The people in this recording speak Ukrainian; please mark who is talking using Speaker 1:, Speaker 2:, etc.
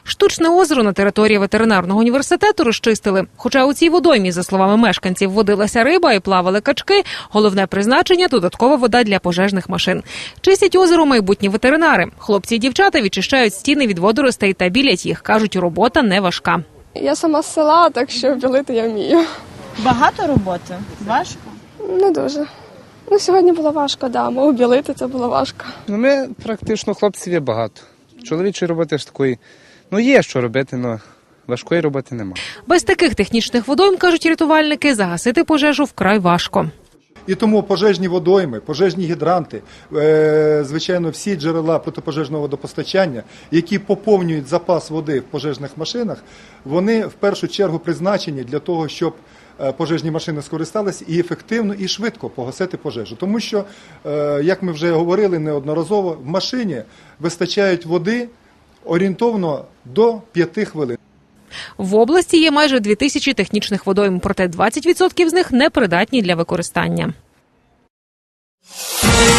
Speaker 1: Штучне озеро на території ветеринарного університету розчистили. Хоча у цій водоймі, за словами мешканців, водилася риба і плавали качки, головне призначення – додаткова вода для пожежних машин. Чистять озеро майбутні ветеринари. Хлопці і дівчата відчищають стіни від водоростей та білять їх. Кажуть, робота не важка.
Speaker 2: Я сама з села, так що білити я вмію.
Speaker 3: Багато роботи? Важко?
Speaker 2: Не дуже. Сьогодні було важко, да, мов білити це було важко.
Speaker 4: Ми практично хлопців є багато. Чоловічої роботи ж такої, є що робити, але важкої роботи немає.
Speaker 1: Без таких технічних водойм, кажуть рятувальники, загасити пожежу вкрай важко.
Speaker 5: І тому пожежні водойми, пожежні гідранти, звичайно, всі джерела протипожежного водопостачання, які поповнюють запас води в пожежних машинах, вони в першу чергу призначені для того, щоб пожежні машини скористалися і ефективно, і швидко погасити пожежу. Тому що, як ми вже говорили неодноразово, в машині вистачають води орієнтовно до 5 хвилин.
Speaker 1: В області є майже 2000 технічних водойм, проте 20% з них непридатні для використання.